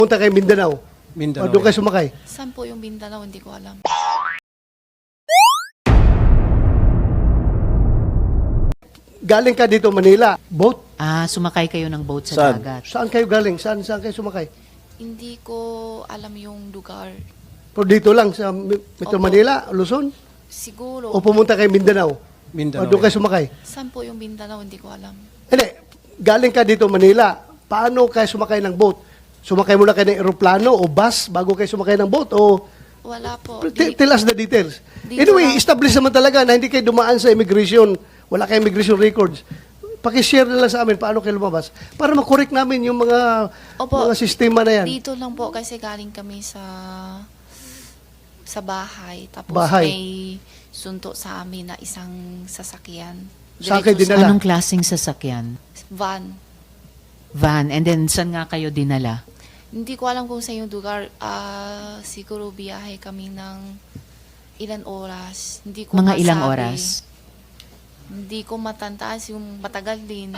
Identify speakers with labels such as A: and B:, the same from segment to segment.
A: Punta kay Mindanao.
B: Mindanao.
A: O doon kayo sumakay.
C: Saan po yung Mindanao? Hindi ko alam.
A: Galing ka dito Manila. Boat?
D: Sumakay kayo ng boat sa
B: Saan?
D: dagat.
A: Saan kayo galing? Saan kayo sumakay?
C: Hindi ko alam yung lugar.
A: Pero dito lang sa Metro
C: Opo.
A: Manila, Luzon?
C: Siguro.
A: O pumunta kay Mindanao?
B: Mindanao.
A: O doon kayo sumakay?
C: Saan po yung Mindanao? Hindi ko alam.
A: Hindi. Galing ka dito Manila. Paano kayo sumakay ng boat? Sumakay muna kayo ng aeroplano o bus bago kayo sumakay ng boat? O
C: Wala po.
A: tell us the details.
C: Dito
A: Anyway,
C: lang.
A: establish naman talaga na hindi kayo dumaan sa immigration. Wala kayong immigration records. Pakishare na lang sa amin paano kayo lumabas para makorek namin yung mga
C: Opo.
A: mga sistema na yan.
C: Dito lang po kasi galing kami sa bahay. Tapos
A: Bahay.
C: may sunto sa amin na isang sasakyan.
A: Sa akin
C: Diretso
A: dinala.
D: Anong klaseng sasakyan?
C: Van.
D: Van. And then, saan nga kayo dinala?
C: Hindi ko alam kung sa yung lugar. Siguro biyahe kami ng ilan oras. Hindi ko
D: Mga ilang
C: masabi.
D: oras?
C: Hindi ko matantaas yung matagal din.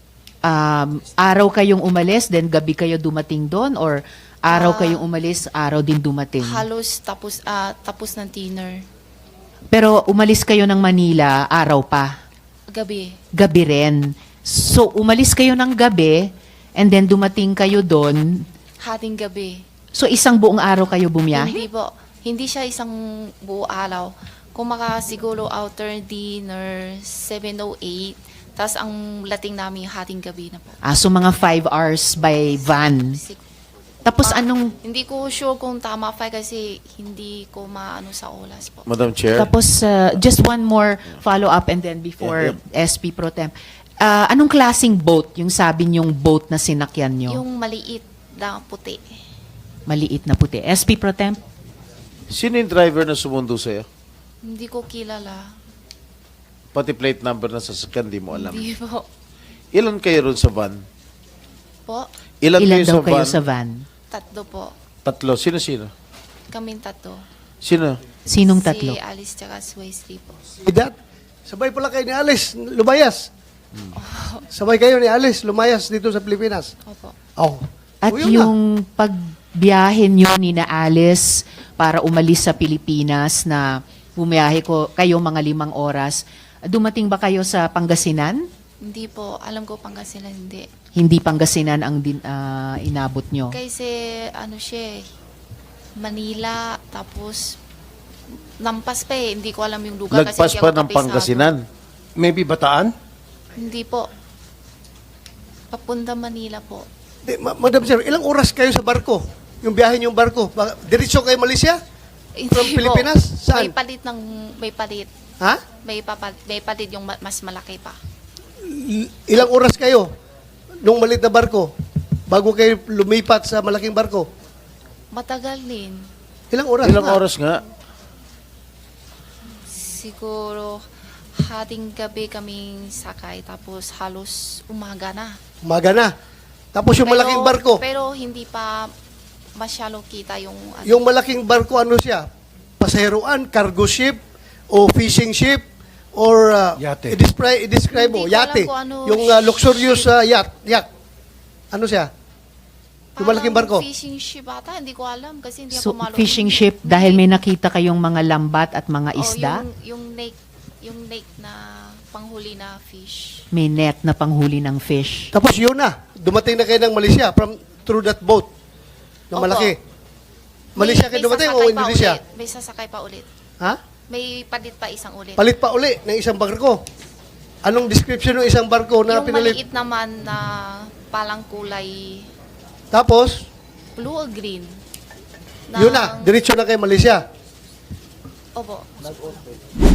D: Araw kayong umalis, then gabi kayo dumating doon? Or araw kayong umalis, araw din dumating?
C: Halos tapos ng dinner.
D: Pero umalis kayo ng Manila, araw pa.
C: Gabi.
D: Gabi rin. So, umalis kayo ng gabi, and then dumating kayo doon.
C: Hating gabi.
D: So, isang buong araw kayo bumiyahe?
C: Hindi po. Hindi siya isang buo araw. Kung siguro outer dinner, 7:08. Tapos ang lating namin hating gabi na po.
D: So mga 5 hours by van. Tapos anong,
C: Hindi ko sure kung tama pa kasi hindi ko maano sa oras po.
B: Madam Chair.
D: tapos just one more follow-up and then before SP Pro Tem. Anong klaseng boat yung sabi niyong boat na sinakyan niyo?
C: Yung maliit na puti.
D: Maliit na puti. SP Pro Tem?
B: Sino yung driver na sumundo sa'yo?
C: Hindi ko kilala.
B: Pati plate number na sasakyan, di mo alam.
C: Hindi po.
B: Ilan kayo ron sa van?
C: Po?
B: Ilan,
D: Ilan
B: kayo
D: daw
B: sa
D: kayo
B: van?
D: sa van?
C: Tatlo po.
B: Tatlo. Sino-sino?
C: Kaming tatlo.
B: Sino?
D: Sinong tatlo?
C: Si Alice tsaka si Wesley po.
A: Idat. Sabay pala kayo ni Alice, lumayas. Sabay kayo ni Alice, lumayas dito sa Pilipinas.
C: Opo.
A: Oh.
D: At
A: O, yun na.
D: yung pagbiyahe niyo ni na Alice para umalis sa Pilipinas na bumiyahe kayo mga 5 oras, dumating ba kayo sa Pangasinan?
C: Hindi po. Alam ko Pangasinan hindi.
D: Hindi Pangasinan ang inabot nyo.
C: Kasi ano siya eh, Manila, tapos lampas pa eh. Hindi ko alam yung lugar.
B: Lagpas
C: kasi
B: pa
C: hindi ako
B: ng
C: kapisado.
B: Pangasinan.
E: Maybe Bataan?
C: Hindi po. Papunta Manila po.
A: Madam Sir, ilang oras kayo sa barko? Yung biyahe niyong barko? Diretso kayo Malaysia?
C: Hindi
A: From
C: po.
A: Pilipinas? Saan?
C: May palit.
A: Ha?
C: May palit yung mas malaki pa.
A: Ilang oras kayo nung malit na barko bago kayo lumipat sa malaking barko?
C: Matagal din.
A: Ilang oras?
B: Ilang
A: nga?
B: oras nga?
C: Siguro hating gabi kaming sakay tapos halos umaga na.
A: Umaga na. Tapos yung malaking barko,
C: Pero hindi pa masyalo kita yung ano.
A: yung malaking barko ano siya? Pasaheroan, cargo ship, o fishing ship, or
E: Yate.
A: i-describe mo,
C: Hindi ko alam
A: yate.
C: kung ano
A: Yung luxurious yacht. Ano siya? Yung malaking barko.
C: Fishing ship ata, hindi ko alam kasi hindi
D: So,
C: ako malo.
D: fishing ship, dahil may nakita kayong mga lambat at mga isda,
C: Yung lake na panghuli na fish.
D: may net na panghuli ng fish.
A: Tapos yun na, dumating na kayo ng Malaysia through that boat na
C: Opo.
A: malaki. Malaysia kayo dumating o
C: sasakay pa
A: Indonesia?
C: ulit. May sasakay pa ulit.
A: Ha?
C: May palit pa isang ulit.
A: Palit pa uli ng isang barko. Anong description ng isang barko na
C: yung
A: pinalit?
C: maliit naman na palang kulay
A: Tapos,
C: blue or green.
A: yun na, diretso na kayo Malaysia.
C: Opo.